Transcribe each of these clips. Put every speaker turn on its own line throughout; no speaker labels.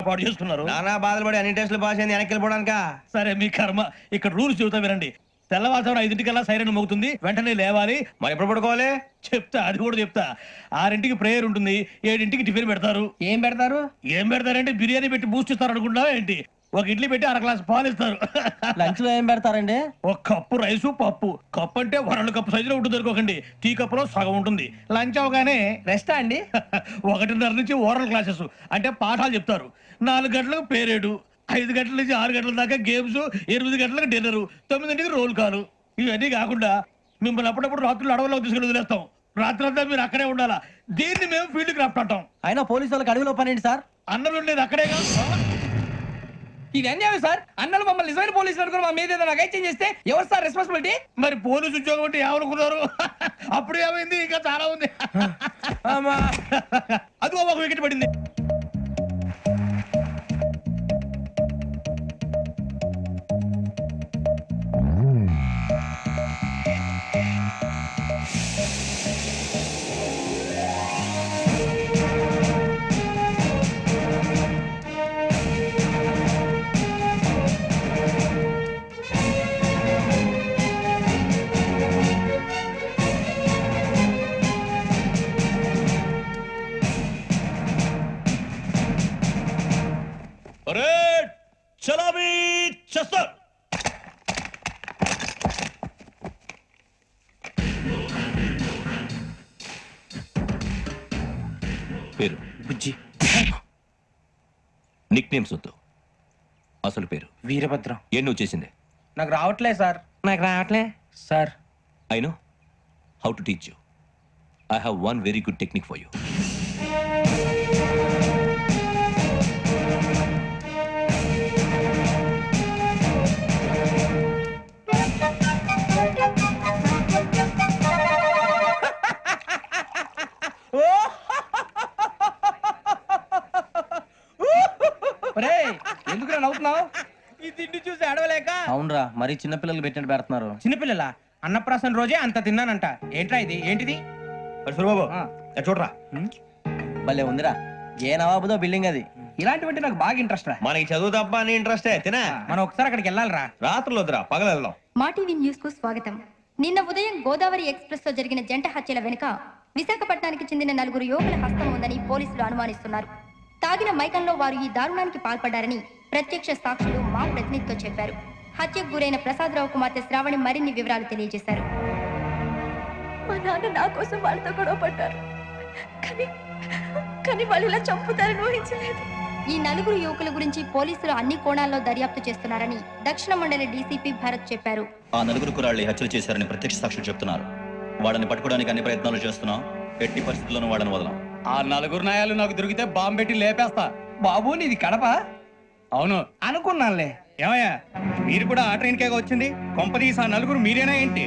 పాటు చేసుకున్నారు.
నానా బాధలు పడి అన్ని టెస్టులు పాస్ అయింది, వెనక్కి వెళ్ళిపోవడానికా?
సరే మీ కర్మ. ఇక్కడ రూల్స్ చెబుతా వినండి. తెల్లవారుజామున 5ంటికల్లా సైరన్ మోగుతుంది, వెంటనే లేవాలి.
మరి ఎప్పుడు పడుకోవాలి?
చెప్తా, అది కూడా చెప్తా. 6ంటికి ప్రేయర్ ఉంటుంది, 7ంటికి టిఫిన్ పెడతారు.
ఏం పెడతారు?
ఏం పెడతారంటే బిర్యానీ పెట్టి బూస్ట్ ఇస్తారు అనుకుంటావా ఏంటి? ఒక ఇడ్లీ పెట్టి 1/2 గ్లాస్ పాలు ఇస్తారు.
లంచ్ లో ఏం పెడతారండి?
ఒక కప్పు రైసు పప్పు. కప్పు అంటే 2 కప్పు సైజులో ఉంటుంది అనుకోకండి, టీ కప్పులో సగం ఉంటుంది. లంచ్ అవగానే
రెస్టా అండి?
1:30 నుంచి ఓరల్ క్లాసెస్ అంటే పాఠాలు చెప్తారు. 4 గంటలకు పేరేడు, 5 గంటల నుంచి 6 గంటల దాకా గేమ్స్, 8 గంటలకు డిన్నర్, 9ంటికి రోల్ కాలు. ఇవన్నీ కాకుండా మిమ్మల్ని అప్పుడప్పుడు రాత్రులు అడవుల్లో తీసుకుని వదిలేస్తాం. రాత్రంతా మీరు అక్కడే ఉండాలా. దీన్ని మేము ఫీల్డ్ క్రాఫ్ట్ అంటాం.
అయినా పోలీసు వాళ్ళకి అడవిలో పని ఏంటి సార్?
అన్నం ఉండేది అక్కడేగా.
ఇది అన్యాయం సార్. అన్నలు మమ్మల్ని నిజమైన పోలీసులు అనుకుని మా మీద ఏదైనా అగైత్యం చేస్తే ఎవరు సార్ రెస్పాన్సిబిలిటీ?
మరి పోలీసు ఉద్యోగం అంటే ఏమనుకున్నారు? అప్పుడు ఏమైంది? ఇంకా చాలా ఉంది. అదిగో ఒక వికెట్ పడింది. చలామీ చేస్తారు.
పేరు బుజ్జి. నిక్ నేమ్స్ వద్దు, అసలు పేరు
వీరభద్రం.
ఏ నువ్వు చేసిందే?
నాకు రావట్లే సార్. నాకు రావట్లే sir.
I know how to teach you. I have one very good technique for you.
ఎందుకు నవ్వుతున్నావు? ఈ తిండి చూసి అడవలేక. అవునరా, మరి చిన్నపిల్లలు పెట్టినట్టు పెడుతున్నారు. చిన్నపిల్లల అన్నప్రాసన రోజే అంత తిన్నానంట. ఏంట్రా ఇది? ఏంటిది?
సూరిబాబు చూడరా,
భలే ఉందిరా. ఏ నవాబుదో బిల్డింగ్ అది. ఇలాంటివంటే నాకు బాగా ఇంట్రెస్ట్ రా.
మనకి చదువు తప్ప అని ఇంట్రెస్టే. తినా
మనం ఒకసారి అక్కడికి వెళ్ళాలిరా.
రాత్రులు వద్దురా, పగలు వెళ్దాం.
మా టీవీ న్యూస్ కు స్వాగతం. నిన్న ఉదయం గోదావరి ఎక్స్ప్రెస్ లో జరిగిన జంట హత్యల వెనుక విశాఖపట్నానికి చెందిన 4 యువకుల హస్తం ఉందని పోలీసులు అనుమానిస్తున్నారు. తాగిన మైకంలో వారు ఈ దారుణానికి పాల్పడ్డారని ప్రత్యక్ష సాక్షులు మా ప్రతినిధితో చెప్పారు. హత్యకు గురైన ప్రసాదరావు కుమార్తె శ్రావణి మరిన్ని వివరాలు తెలియజేశారు.
మా నాన్న నా కోసం వాళ్ళతో గొడవ పడ్డారు, కానీ వాళ్ళు ఇలా చంపుతారని ఊహించలేదు.
ఈ 4 యువకుల గురించి పోలీసులు అన్ని కోణాల్లో దర్యాప్తు చేస్తున్నారని దక్షిణ మండలి డీసీపీ భరత్ చెప్పారు.
ఆ 4 కుర్రాళ్ళు హత్యలు చేశారని ప్రత్యక్ష సాక్షులు చెప్తున్నారు. వాళ్ళని పట్టుకోవడానికి అన్ని ప్రయత్నాలు చేస్తున్నాం. ఎట్టి పరిస్థితుల్లోనూ వాళ్ళని వదలం.
ఆ 4 నాయాలు నాకు దొరికితే బాంబు పెట్టి లేపేస్తా. బాబు నీది కడప? అవును అనుకున్నానులే.
ఏమయ్యా, మీరు కూడా ఆ ట్రైన్ కేగా వచ్చింది? కొంపదీసి ఆ 4 మీరేనా ఏంటి?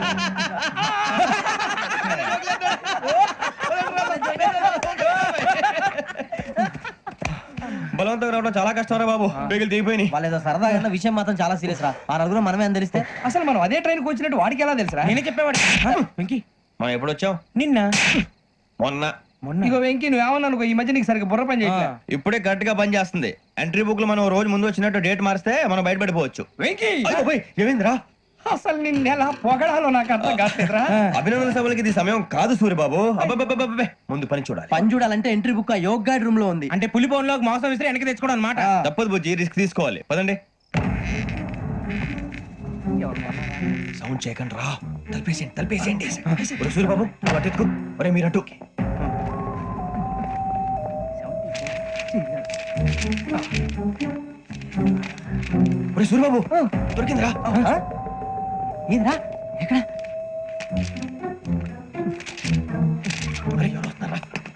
బలవంతంగా రావడం చాలా కష్టం రా బాబు. బేగులు దిగిపోయినాయి.
వాళ్ళేదో సరదాగా విషయం మాత్రం చాలా సీరియస్ రా. ఆ 4 మనమే అని తెలిస్తే అసలు మనం అదే ట్రైన్కి వచ్చినట్టు వాడికి ఎలా తెలుసురా? నేనే చెప్పేవాడు. వెంకీ,
మనం ఎప్పుడు వచ్చాం?
నిన్న
మొన్న.
ఇగో వెంకీ, నువ్వేమన్నా అనుకో, ఈ మధ్య నీకు సరిగ్గా బుర్ర పని చేయట్లేదు.
ఇప్పుడే కరెక్ట్ గా పని చేస్తుంది. ఎంట్రీ బుక్ లో మనం రోజు ముందు వచ్చినట్టు డేట్ మారిస్తే మనం బయటపడిపోవచ్చు.
వెంకీ,
ఏమైందిరా?
అసలు నిన్న ఎలా పొగడాలో నాకు అర్థం కాట్లేదురా.
అభినందన సభలకి ఇది సమయం కాదు సూర్యబాబు. అబ్బబ్బబ్బబ్బబ్బే, ముందు పని చూడాలి.
పని చూడాలంటే ఎంట్రీ బుక్ ఆ యోగ్ గైడ్ రూమ్ లో ఉంది. అంటే పులి బోన్ లోకి మాంసం విసిరి వెనక్కి తెచ్చుకోవడం అన్నమాట.
తప్పదు బుజ్జి, రిస్క్ తీసుకోవాలి. పదండి. సౌండ్ చేయకండి రా. తలపేసేయండి. సూర్యబాబు నువ్వు అటు ఎత్తుకో. ఒరే మీరు అటు. ఒరే సూర్యబాబు, దొరికిందిరా.
ఏంద్రా? ఎక్కడ?
ఒరే ఎవరు వస్తున్నారా?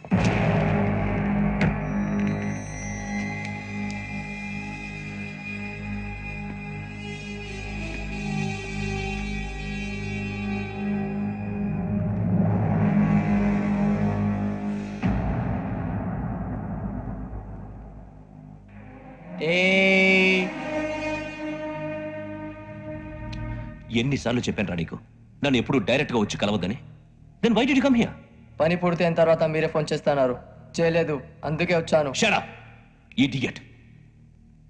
ఎన్నిసార్లు చెప్పాను రా నీకు, నన్ను ఎప్పుడు డైరెక్ట్ గా వచ్చి కలవద్దని? Then why did you come here?
పని పూర్తయిన తర్వాత మీరే ఫోన్ చేస్తున్నారు. చేయలేదు, అందుకే వచ్చాను.
Shut up idiot.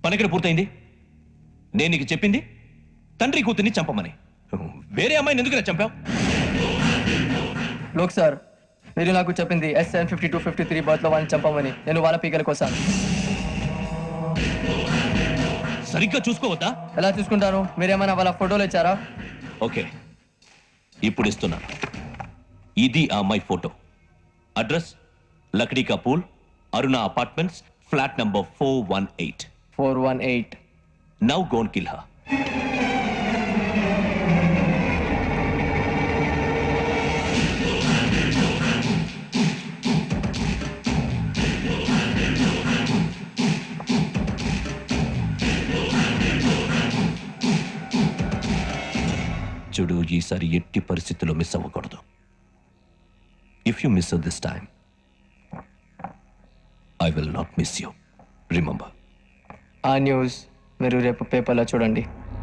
పని ఎక్కడ పూర్తయింది? నేను నీకు చెప్పింది తండ్రి కూతుర్ని చంపమని. వేరే అమ్మాయిని ఎందుకు చంపావు?
లోక్ సార్, మీరు నాకు చెప్పింది SN 5253 బర్త్లో వాళ్ళని చంపమని. నేను వాళ్ళ పీకల కోసం.
సరిగ్గా చూసుకోవద్దా?
ఎలా చూసుకుంటాను? మీరేమైనా వాళ్ళ ఫోటోలు ఇచ్చారా?
ఓకే, ఇప్పుడు ఇస్తున్నాను. ఇది ఆ అమ్మాయి photo. Address Lakdikapul, Aruna apartments, flat number 418.
418.
Now go and kill her. చూడు, ఈసారి ఎట్టి పరిస్థితుల్లో మిస్ అవ్వకూడదు. If you miss this time, I will not miss you. Remember.
ఆ న్యూస్ మీరు రేపు పేపర్లో చూడండి.